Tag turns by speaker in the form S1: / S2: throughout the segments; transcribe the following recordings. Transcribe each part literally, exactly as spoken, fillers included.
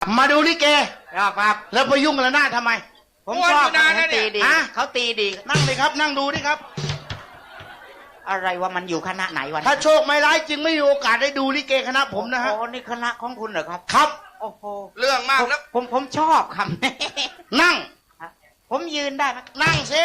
S1: มาดูลิเก
S2: ครับครับ
S1: แล้วไปยุ่งกับหน้าทำไม
S2: ผมชอบเขาตีดี
S1: ฮะ
S2: เขาตีดี
S1: นั่งเลยครับ นั่งดูดิครับ
S2: อะไรว่ามันอยู่คณะไหนวัน
S1: ถ้าโชคไม่ร้ายจึงไม่มีโอกาสได้ดูลิเกคณะผมนะฮะ
S2: โอ้นี่คณะของคุณเหรอครับ
S1: ครับ
S2: โอ้โห
S3: เรื่องมากนะ
S2: ผมผมชอบคำนี้
S1: นั่ง
S2: ผมยืนได้ไหม
S1: นั่งซิ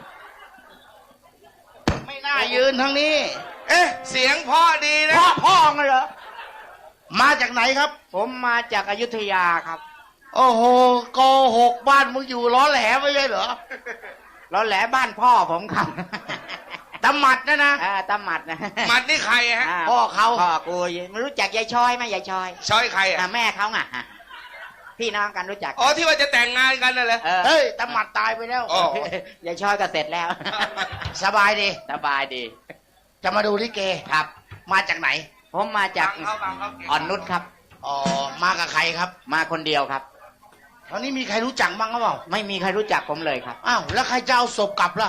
S1: ไม่น่ายืนทางนี้
S3: เอ๊ะเสียงพ่อดีนะ
S2: พ่อพ่อไงเหรอ
S1: มาจากไหนครับ
S2: ผมมาจากอยุธยาครับ
S1: โอ้โหโกหกบ้านมึงอยู่ล้อแหลไม่ใช่เหรอ
S2: แล้วแหละบ้านพ่อผมครับ
S1: ตำหมัดนะนะ
S2: อ่าตาหมัดนะ
S3: มันนี่ใครฮะ
S2: า
S1: พ่อเขา
S2: พ่อกูไม่รู้จักยายชอยไหมยายชอย
S3: ช้อยใครอ่ะ
S2: อ่าแม่เขาไงอ่ะพี่น้องกันรู้จัก
S3: อ๋อที่ว่าจะแต่งงานกันน่ะเหรอ
S2: เออ
S1: เฮ้ยตำหมัดตายไปแล้ว
S3: อ๋อ
S2: ยายชอยก็เสร็จแล้ว
S1: สบายดี
S2: สบายดี
S1: จะมาดูลิเก
S2: ครับ
S1: มาจากไหน
S2: ผมมาจาก
S3: บังเขาบังเขาเก่ง
S2: อ่อนนุชครับ
S1: อ๋อมากับใครครับ
S2: มาคนเดียวครับ
S1: ตอนนี้มีใครรู้จักบ้างหรือเปล่า
S2: ไม่มีใครรู้จักผมเลยครับ
S1: อ้าวแล้วใครจะเอาศพกลับล่ะ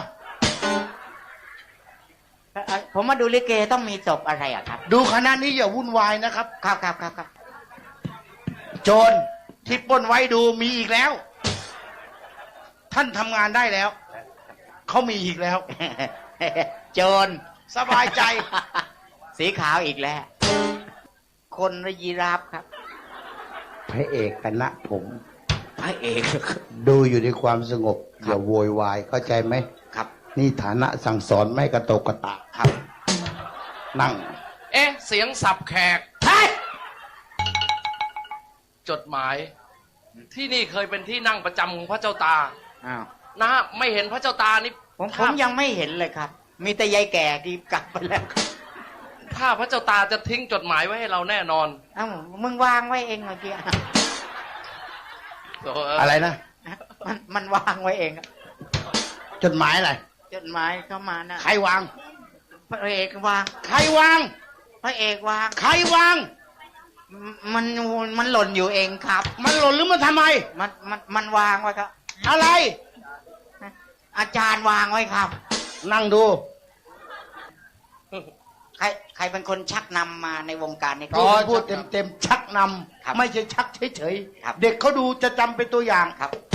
S2: เอ่อผมมาดูลิเกต้องมีศพอะไรอ่ะครับ
S1: ดูคณะนี้อย่าวุ่นวายนะครับ
S2: ครับครับครับครับ
S1: โจรที่ปล้นไว้ดูมีอีกแล้ว ท่านทำงานได้แล้ว เขามีอีกแล้ว
S2: โจร
S1: สบายใจ
S2: สีขาวอีกแล้ว คนละยีราฟครับ
S4: พระเอกคณะผม
S2: พระเอก
S4: ดูอยู่ในความสงบอย่าโวยวายเข้าใจไหม
S2: ครับ
S4: นี่ฐานะสั่งสอนไม่กระโตกกระตาก
S2: ครับ
S4: นั่ง
S5: เอ๊ะ เสียงสับแขก
S2: เฮ้ย
S5: จดหมาย ที่นี่เคยเป็นที่นั่งประจำของพระเจ้าตา
S2: อ้าว
S5: นะฮะไม่เห็นพระเจ้าตานี่
S2: ผมผมยังไม่เห็นเลยครับ มีแต่ยายแก่ที่กลับไปแล้วครับ
S5: ถ้าพระเจ้าตาจะทิ้งจดหมายไว้ให้เราแน่นอน
S2: เอ้ามึงวางไว้เองเมื่อกี้
S5: โเ
S1: อะไรนะ
S2: มันมันวางไว้เองอะ
S1: จดหมายอะไร
S2: จดหมายเข้ามานะ
S1: ใครวาง
S2: พระเอกวาง
S1: ใครวาง
S2: พระเอกวาง
S1: ใครวาง
S2: มันมันหล่นอยู่เองครับ
S1: มันหล่นหรือมันทำไม
S2: มันมันมันวางไว้ครับ
S1: อะไร
S2: อาจารย์วางไว้ครับ
S1: นั่งดู
S2: ใครใครเป็นคนชักนำมาในวงการนี้
S1: พูดพูดเต็มเต็มๆชักน
S2: ครับ
S1: ำไม่ใช่ชักเฉย
S2: ครับ
S1: ๆเด็กเขาดูจะจำเป็นตัวอย่าง
S2: ครับ